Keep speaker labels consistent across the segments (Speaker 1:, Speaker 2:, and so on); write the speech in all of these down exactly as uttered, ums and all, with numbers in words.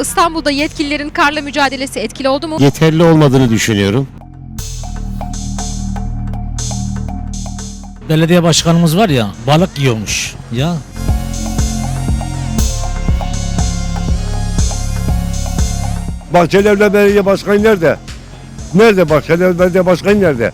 Speaker 1: İstanbul'da yetkililerin karla mücadelesi etkili oldu mu?
Speaker 2: Yeterli olmadığını düşünüyorum.
Speaker 3: Belediye başkanımız var ya, balık yiyormuş ya.
Speaker 4: Bahçelievler Belediye Başkanı nerede? Nerede Bahçelievler Belediye Başkanı nerede?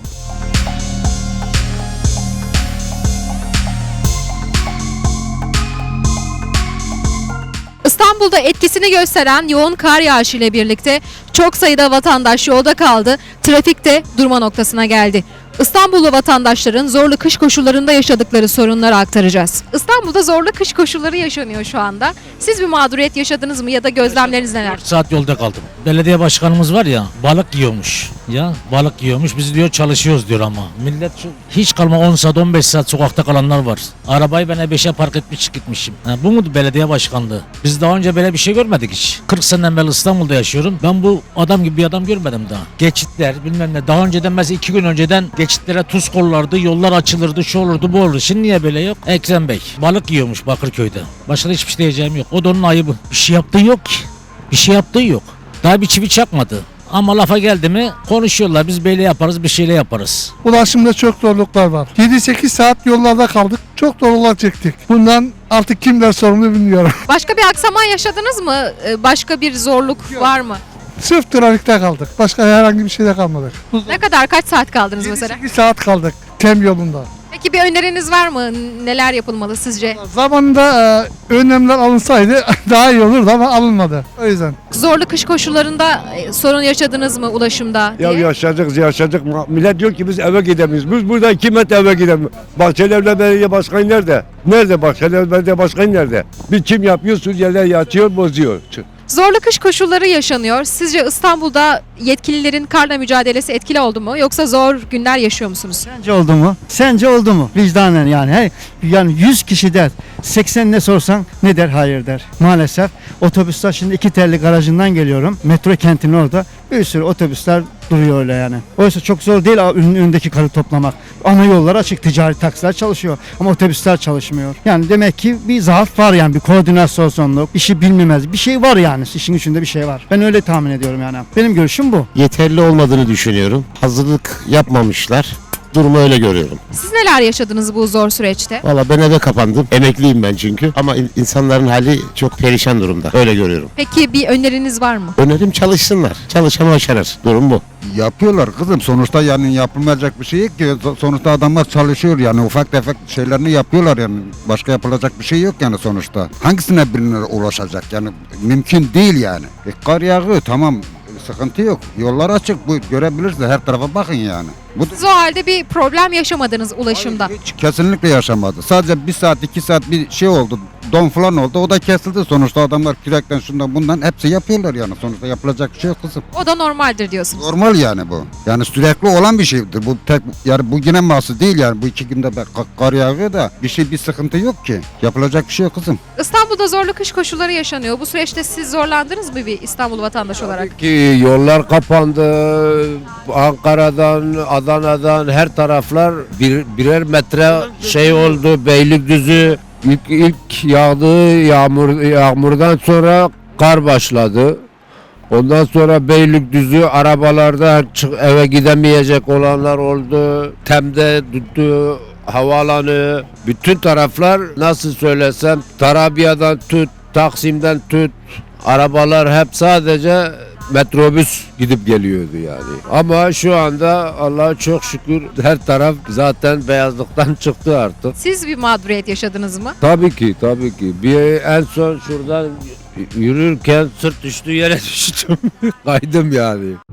Speaker 1: İstanbul'da etkisini gösteren yoğun kar yağışı ile birlikte çok sayıda vatandaş yolda kaldı, trafik de durma noktasına geldi. İstanbullu vatandaşların zorlu kış koşullarında yaşadıkları sorunları aktaracağız. İstanbul'da zorlu kış koşulları yaşanıyor şu anda. Siz bir mağduriyet yaşadınız mı ya da gözlemleriniz neler?
Speaker 3: dört saat yolda kaldım. Belediye başkanımız var ya, balık yiyormuş ya. Balık yiyormuş. Biz diyor çalışıyoruz diyor ama. Millet şu- hiç kalma on saat on beş saat sokakta kalanlar var. Arabayı ben E beşe park etmiş gitmişim. Ha, bu mu belediye başkanlığı? Biz daha önce böyle bir şey görmedik hiç. kırk seneden beri İstanbul'da yaşıyorum. Ben bu adam gibi bir adam görmedim daha. Geçitler bilmem ne. Daha önceden mesela iki gün önceden geçitlere tuz kollardı, yollar açılırdı, şu olurdu, bu olurdu. Şimdi niye böyle yok? Ekrem Bey balık yiyormuş Bakırköy'de. Başka da hiçbir şey diyeceğim yok. O da onun ayıbı. Bir şey yaptığı yok ki. Bir şey yaptığı yok. Daha bir çivi çakmadı. Ama lafa geldi mi konuşuyorlar. Biz böyle yaparız, bir şeyle yaparız.
Speaker 5: Ulaşımda çok zorluklar var. yedi sekiz saat yollarda kaldık. Çok zorluklar çektik. Bundan artık kimler sorumlu bilmiyorum.
Speaker 1: Başka bir aksama yaşadınız mı? Ee, Başka bir zorluk var mı?
Speaker 5: Sırf trafikte kaldık. Başka herhangi bir şeyde kalmadık.
Speaker 1: Ne kadar, kaç saat kaldınız mesela?
Speaker 5: yedi sekiz saat kaldık tem yolunda.
Speaker 1: Peki bir öneriniz var mı? Neler yapılmalı sizce?
Speaker 5: Zamanında e, önlemler alınsaydı daha iyi olurdu ama alınmadı. O yüzden.
Speaker 1: Zorlu kış koşullarında e, sorun yaşadınız mı ulaşımda diye?
Speaker 4: Ya yaşayacak, yaşayacak. Millet diyor ki biz eve gidemeyiz. Biz burada iki metre eve gidemiyoruz. Bahçelievler Belediye Başkanı nerede? Nerede Bahçelievler Belediye Başkanı nerede? Bir kim yapıyor, Suriyeliler yatıyor, bozuyor.
Speaker 1: Zorlu kış koşulları yaşanıyor. Sizce İstanbul'da yetkililerin karla mücadelesi etkili oldu mu? Yoksa zor günler yaşıyor musunuz?
Speaker 6: Sence oldu mu? Sence oldu mu? Vicdanen yani. Hey, yani yüz kişi der. seksen ne sorsan ne der? Hayır der. Maalesef otobüsler şimdi iki telli garajından geliyorum. Metro kentinin orada bir sürü otobüsler duruyor öyle yani. Oysa çok zor değil ürünün önündeki karı toplamak. Ana yollar açık, ticari taksiler çalışıyor ama otobüsler çalışmıyor. Yani demek ki bir zaaf var yani, bir koordinasyonluk, işi bilmemez bir şey var yani. İşin içinde bir şey var. Ben öyle tahmin ediyorum yani. Benim görüşüm bu.
Speaker 2: Yeterli olmadığını düşünüyorum. Hazırlık yapmamışlar. Durumu öyle görüyorum.
Speaker 1: Siz neler yaşadınız bu zor süreçte?
Speaker 2: Valla ben eve kapandım. Emekliyim ben çünkü. Ama in- insanların hali çok perişan durumda. Öyle görüyorum.
Speaker 1: Peki bir öneriniz var mı?
Speaker 2: Önerim çalışsınlar. Çalışan başarır. Durum bu.
Speaker 7: Yapıyorlar kızım, sonuçta yani yapılmayacak bir şey yok ki. Sonuçta adamlar çalışıyor yani, ufak tefek şeylerini yapıyorlar yani, başka yapılacak bir şey yok yani sonuçta. Hangisine birine ulaşacak yani, mümkün değil yani. E, kar yağıyor, tamam, sıkıntı yok, yollar açık, bu görebilirsiniz, her tarafa bakın yani. Bu
Speaker 1: Siz o halde bir problem yaşamadınız ulaşımda.
Speaker 7: hiç kesinlikle yaşamadı. Sadece bir saat iki saat bir şey oldu, don falan oldu, o da kesildi. Sonuçta adamlar kürekten şundan bundan hepsi yapıyorlar yani, sonuçta yapılacak bir şey yok kızım.
Speaker 1: O da normaldir diyorsunuz.
Speaker 7: Normal yani bu. Yani sürekli olan bir şeydir. Bu tek yani bu yine mahsus değil yani. Bu iki günde be- ka- kar yağıyor da bir şey bir sıkıntı yok ki. Yapılacak bir şey yok kızım.
Speaker 1: İstanbul'da zorlu kış koşulları yaşanıyor. Bu süreçte siz zorlandınız mı bir İstanbul vatandaşı olarak?
Speaker 8: Ki yollar kapandı. Ankara'dan, Adana'dan her taraflar bir, birer metre şey oldu. Beylikdüzü ilk, ilk yağdığı yağmur yağmurdan sonra kar başladı. Ondan sonra Beylikdüzü arabalarda çık, eve gidemeyecek olanlar oldu. Tem'de tuttu havaalanı. Bütün taraflar, nasıl söylesem, Tarabya'dan tut, Taksim'den tut, arabalar hep sadece metrobüs gidip geliyordu yani. Ama şu anda Allah'a çok şükür her taraf zaten beyazlıktan çıktı artık.
Speaker 1: Siz bir mağduriyet yaşadınız mı?
Speaker 8: Tabii ki, tabii ki. Bir en son şuradan yürürken sırt düştüğü yere düştüm. Kaydım yani.